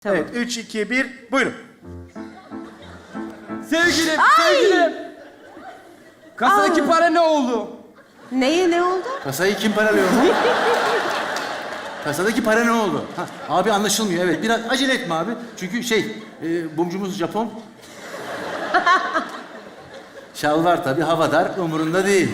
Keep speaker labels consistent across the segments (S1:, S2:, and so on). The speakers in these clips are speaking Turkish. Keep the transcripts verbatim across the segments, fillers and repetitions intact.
S1: Tamam.
S2: Evet, üç, iki, bir, buyurun.
S3: Sevgilim, sevgilim. Kasadaki para ne oldu?
S1: Neye ne oldu?
S4: Kasayı kim paralıyor mu? Kasadaki para ne oldu? Ha, abi anlaşılmıyor, evet. Biraz acele etme abi. Çünkü şey, e, bumcumuz Japon. Şalvar tabii, hava dar, umurunda değil.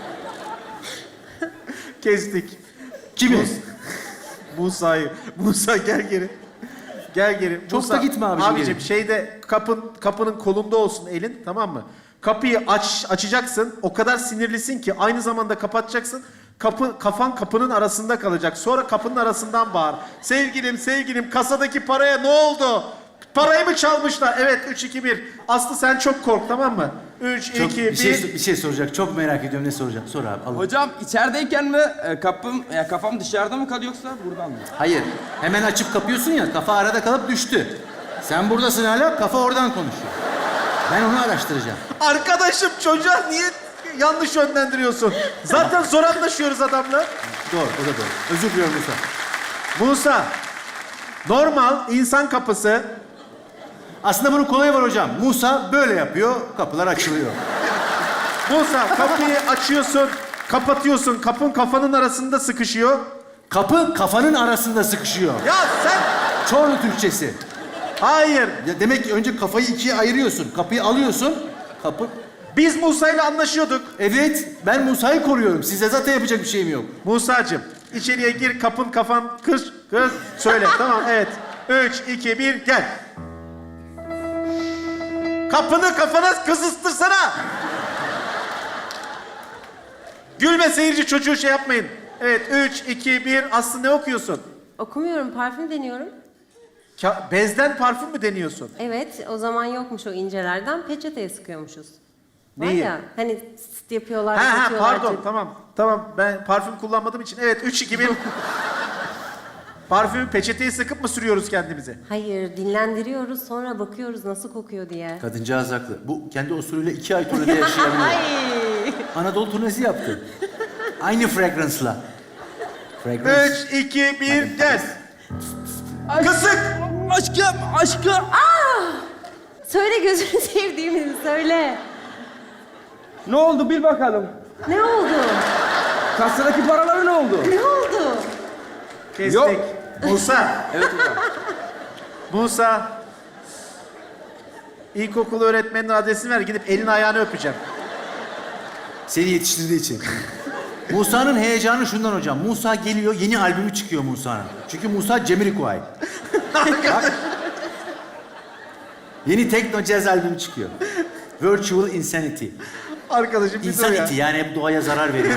S2: Kestik.
S4: Kimi?
S2: Musa'yı. Musa gel geri. Gel geri.
S4: Çok
S2: Musa,
S4: da gitme abicim,
S2: Abicim
S4: geri.
S2: şeyde kapın kapının kolunda olsun elin, tamam mı? Kapıyı aç açacaksın. O kadar sinirlisin ki aynı zamanda kapatacaksın. Kapı kafan kapının arasında kalacak. Sonra kapının arasından bağır. Sevgilim, sevgilim, kasadaki paraya ne oldu? Parayı mı çalmışlar? Evet, üç, iki, bir. Aslı sen çok kork, tamam mı? üç,
S4: Çok,
S2: iki,
S4: bir,
S2: bir.
S4: şey, bir şey soracak. Çok merak ediyorum. Ne soracak? Sor abi. Al.
S3: Hocam içerideyken mi e, kapım, ya kafam dışarıda mı kalıyor yoksa buradan mı?
S4: Hayır. Hemen açıp kapıyorsun ya. Kafa arada kalıp düştü. Sen buradasın hala. Kafa oradan konuşuyor. Ben onu araştıracağım.
S2: Arkadaşım çocuğa niye yanlış yönlendiriyorsun? Zaten zor anlaşıyoruz adamla.
S4: Doğru. O da doğru. Özür diliyorum Musa.
S2: Musa, normal insan kapısı.
S4: Aslında bunun kolayı var hocam. Musa böyle yapıyor. Kapılar açılıyor.
S2: Musa kapıyı açıyorsun, kapatıyorsun. Kapın kafanın arasında sıkışıyor.
S4: Kapı kafanın arasında sıkışıyor.
S2: Ya sen...
S4: Çorlu Türkçesi.
S2: Hayır.
S4: Ya demek ki önce kafayı ikiye ayırıyorsun. Kapıyı alıyorsun. Kapı...
S2: Biz Musa ile anlaşıyorduk.
S4: Evet, ben Musa'yı koruyorum. Size zaten yapacak bir şeyim yok.
S2: Musacığım, içeriye gir, kapın kafan kır, kır. Söyle, tamam, evet. Üç, iki, bir, gel. Kapını kafana kızıstırsana. Gülme seyirci, çocuğu şey yapmayın. Evet, üç, iki, bir. Aslı ne okuyorsun?
S1: Okumuyorum, parfüm deniyorum.
S2: Ka- bezden parfüm mü deniyorsun?
S1: Evet, o zaman yokmuş o incelerden. Peçeteye sıkıyormuşuz. Var
S2: Neyi?
S1: ya, hani sıt yapıyorlar,
S2: Ha ha
S1: sıkıyorlar.
S2: pardon, tamam. Tamam, ben parfüm kullanmadığım için. Evet, üç, iki, bir. Parfümü peçeteye sıkıp mı sürüyoruz kendimize?
S1: Hayır, dinlendiriyoruz, sonra bakıyoruz nasıl kokuyor diye.
S4: Kadıncağız haklı. Bu kendi usulüyle iki ay turnede yaşayabiliyor.
S1: Ay!
S4: Anadolu turnesi yaptı. Aynı fragrance'la. Fragrance.
S2: Üç, iki, bir, gel. Kısık!
S3: Aşkım, aşkım.
S1: Söyle gözünü sevdiğimizi söyle.
S3: Ne oldu bil bakalım.
S1: Ne oldu?
S3: Kasadaki paraları ne oldu?
S1: Ne oldu?
S2: Kestik.
S3: Yok.
S2: Musa,
S3: Evet hocam.
S2: Musa. İlkokul öğretmeninin adresini ver, gidip elini ayağını öpeceğim.
S4: Seni yetiştirdiği için. Musa'nın heyecanı şundan hocam. Musa geliyor, yeni albümü çıkıyor Musa'nın. Çünkü Musa Jamiroquai. Bak. Yeni tekno jazz albümü çıkıyor. Virtual Insanity.
S2: Arkadaşım bir dur ya.
S4: Insanity yani hep doğaya zarar veriyor.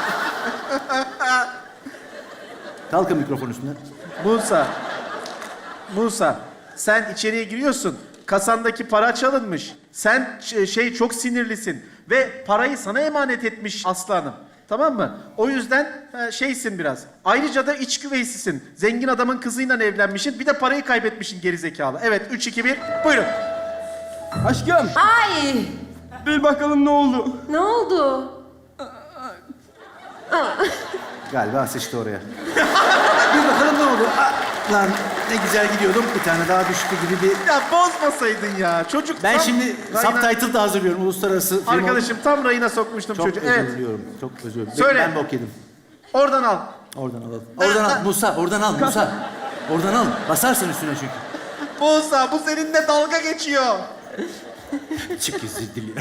S4: Kalkın mikrofon üstüne.
S2: Musa. Musa, sen içeriye giriyorsun. Kasandaki para çalınmış. Sen ş- şey çok sinirlisin ve parayı sana emanet etmiş Aslı Hanım. Tamam mı? O yüzden e, şeysin biraz. Ayrıca da iç güveysisin. Zengin adamın kızıyla evlenmişsin. Bir de parayı kaybetmişsin gerizekalı. Evet, üç, iki, bir. Buyurun.
S3: Aşkım,
S1: Ay!
S3: bil bakalım ne oldu?
S1: Ne oldu?
S4: Galiba sıçtı oraya. Bir bakalım ne oldu? Ah, lan ne güzel gidiyordum. Bir tane daha düştü gibi bir...
S2: Ya bozmasaydın ya. Çocuk
S4: Ben
S2: tam
S4: şimdi
S2: rayına-
S4: subtitle da hazırlıyorum. Uluslararası film...
S2: Arkadaşım tam rayına sokmuştum
S4: Çok
S2: çocuğu.
S4: özür
S2: Evet.
S4: diliyorum. Çok özür diliyorum.
S2: Söyle.
S4: Ben bok yedim.
S2: Oradan al.
S4: Oradan alalım. Oradan al. Musa, oradan al Musa. Oradan al. Basarsın üstüne çünkü.
S2: Musa, bu seninle dalga geçiyor.
S4: Çık özür diliyorum.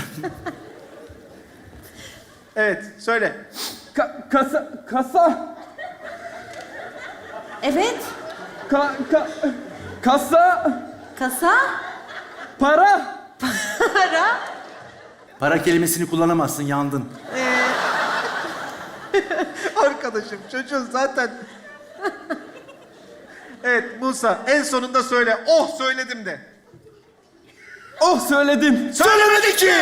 S2: Evet, söyle.
S3: Ka- kasa, kasa,
S1: Evet,
S3: ka, ka, kasa,
S1: kasa,
S3: para.
S1: para.
S4: Para kelimesini kullanamazsın, yandın.
S2: Arkadaşım, çocuğun zaten... Evet, Musa, en sonunda söyle. Oh, söyledim de.
S3: Oh söyledim.
S4: Söylemedi ki!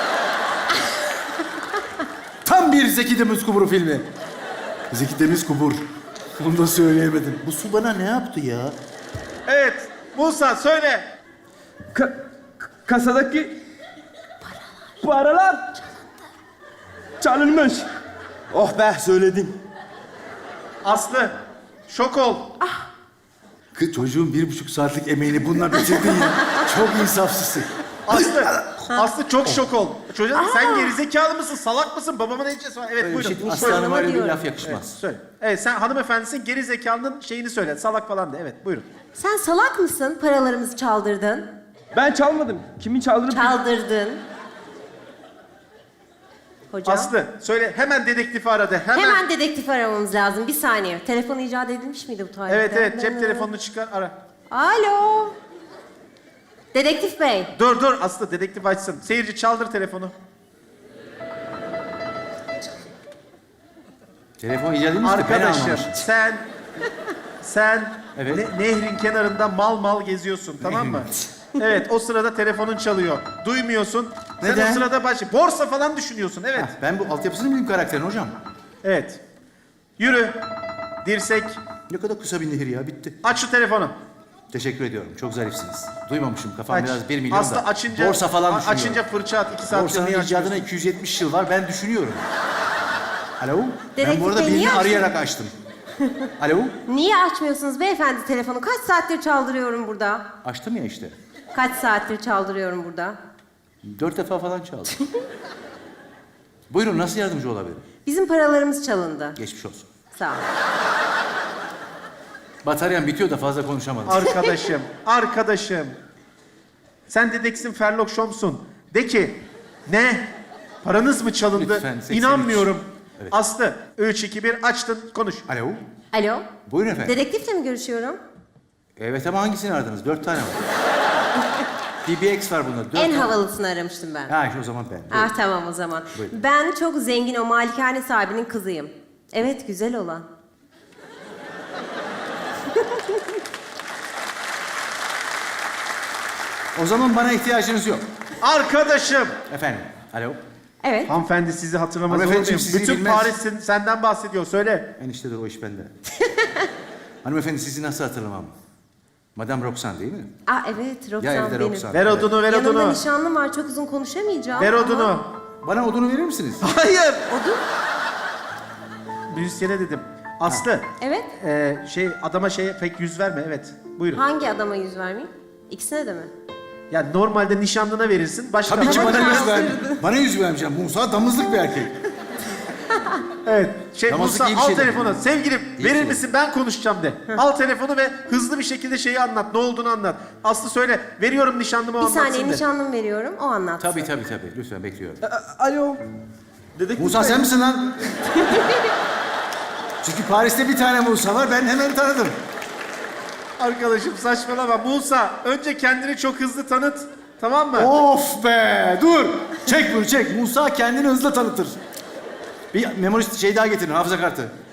S4: Tam bir Zeki Demirkubur filmi. Zeki Demirkubur. Bunu da söyleyemedim. Bu su bana ne yaptı ya?
S2: Evet, Musa söyle.
S3: Ka- kasadaki paralar çalınmış. Oh be söyledim.
S2: Aslı, şok ol.
S4: Kız çocuğun bir buçuk saatlik emeğini bununla bitirdin ya. Çok insafsızsın.
S2: Aslı, Aslı çok şok ol. Çocuğa sen gerizekalı mısın, salak mısın? Babamın heyecanı var. Evet
S4: Öyle bir
S2: buyurun.
S4: şey,
S2: Söyle.
S4: aslanıma öyle bir
S1: diyorum.
S4: laf yakışmaz.
S2: Söyle. Evet sen hanımefendisin, gerizekalının şeyini söyle. Salak falan de. Evet buyurun.
S1: Sen salak mısın? Paralarımızı çaldırdın.
S3: Ben çalmadım. Kimin çaldığını
S1: Çaldırdın. Hocam.
S2: Aslı söyle hemen dedektifi aradı. Hemen.
S1: Hemen dedektif aramamız lazım. Bir saniye. Telefon icat edilmiş miydi bu tarihte?
S2: Evet evet cep telefonunu çıkar ara.
S1: Alo. Dedektif bey.
S2: Dur dur Aslı dedektif açsın. Seyirci çaldır telefonu.
S4: Telefon icat edilmiş de ben
S2: Arkadaşım
S4: anlamışım.
S2: sen sen
S4: Evet.
S2: ne- nehrin kenarında mal mal geziyorsun tamam mı? Evet o sırada telefonun çalıyor. Duymuyorsun. Sen
S4: Neden?
S2: o sırada baş borsa falan düşünüyorsun. Evet.
S4: Heh, ben bu altyapısını bileyim karakterin hocam.
S2: Evet. Yürü. Dirsek.
S4: Ne kadar kısa bir nehir ya, bitti.
S2: Aç şu telefonu.
S4: Teşekkür ediyorum, çok zarifsiniz. Duymamışım, kafam
S2: Aç.
S4: biraz bir milyon
S2: Aslı
S4: da.
S2: açınca,
S4: Borsa falan
S2: a-
S4: düşünüyorum.
S2: açınca fırça at. iki saat
S4: Borsanın
S2: niye
S4: icadına
S2: açmıyorsun?
S4: iki yüz yetmiş yıl var, ben düşünüyorum. Alo? ben
S1: Dedektif
S4: bu arada
S1: Bey,
S4: birini
S1: niye
S4: arayarak açtım. Alo?
S1: Niye açmıyorsunuz beyefendi telefonu? Kaç saattir çaldırıyorum burada?
S4: Açtım ya işte.
S1: Kaç saattir çaldırıyorum burada?
S4: Dört defa falan çaldım. Buyurun, nasıl yardımcı olabilirim?
S1: Bizim paralarımız çalındı.
S4: Geçmiş olsun.
S1: Sağ ol.
S4: Bataryam bitiyor da fazla konuşamadım.
S2: Arkadaşım, arkadaşım. Sen dedeksin Sherlock Holmes'un. De ki, ne? Paranız mı çalındı?
S4: Lütfen, seksen üç.
S2: İnanmıyorum.
S4: Evet.
S2: Aslı, üç, iki, bir açtın, konuş.
S4: Alo?
S1: Alo.
S4: Buyurun efendim.
S1: Dedektifle mi görüşüyorum?
S4: Evet ama hangisini aradınız? Dört tane var. D B X var bunda. Dört
S1: En
S4: tane.
S1: havalısını aramıştım ben.
S4: Ha işte o zaman ben.
S1: Ah tamam o zaman.
S4: Buyurun.
S1: Ben çok zengin o malikane sahibinin kızıyım. Evet güzel olan.
S4: O zaman bana ihtiyacınız yok.
S2: Arkadaşım.
S4: Efendim. Alo?
S1: Evet.
S2: Hanımefendi sizi hatırlamaz olur
S4: Hanımefendiciğim,
S2: muyum?
S4: sizi
S2: Bütün
S4: bilmez.
S2: Paris'in senden bahsediyor. Söyle.
S4: Eniştedir o iş bende. Hanımefendi sizi nasıl hatırlamam? Madame Roxanne değil mi?
S1: Ah evet Roxan
S4: Ya evde
S1: benim.
S4: Roxanne.
S2: Ver odunu, ver
S1: Yanımda
S2: odunu.
S1: nişanlım var çok uzun konuşamayacağım.
S2: Ver
S1: ama-
S2: odunu.
S4: Bana odunu verir misiniz?
S2: Hayır.
S1: Odun?
S2: Müzisyene dedim. Aslı.
S1: Evet.
S2: e, şey adama şeye pek yüz verme. Evet. Buyurun.
S1: Hangi adama yüz vermeyeyim? İkisine de mi?
S2: Ya normalde nişanlına verirsin. Başka
S4: Tabii ki
S2: ama-
S4: bana yüz ver. Bana yüz vermeyeceğim. Musa damızlık bir erkek.
S2: Evet. Şey
S4: Namazlık
S2: Musa
S4: iyi bir
S2: al
S4: şey
S2: telefonu.
S4: değil.
S2: Sevgilim
S4: İyi
S2: verir
S4: şey.
S2: misin ben konuşacağım de. Al telefonu ve hızlı bir şekilde şeyi anlat. Ne olduğunu anlat. Aslı söyle. Veriyorum nişanlıma o
S1: Bir
S2: anlatsın
S1: saniye
S2: de.
S1: nişanlım veriyorum o anlatsın.
S4: Tabii tabii tabii. Lütfen bekliyorum.
S3: Alo. Dedektif
S4: Musa
S3: Bey.
S4: sen misin lan? Çünkü Paris'te bir tane Musa var. Ben hemen tanıdım.
S2: Arkadaşım saçmalama. Musa önce kendini çok hızlı tanıt. Tamam mı?
S4: Of be! Dur! Çek bunu çek. Musa kendini hızla tanıtır. Bir memori şey daha getirin, hafıza kartı.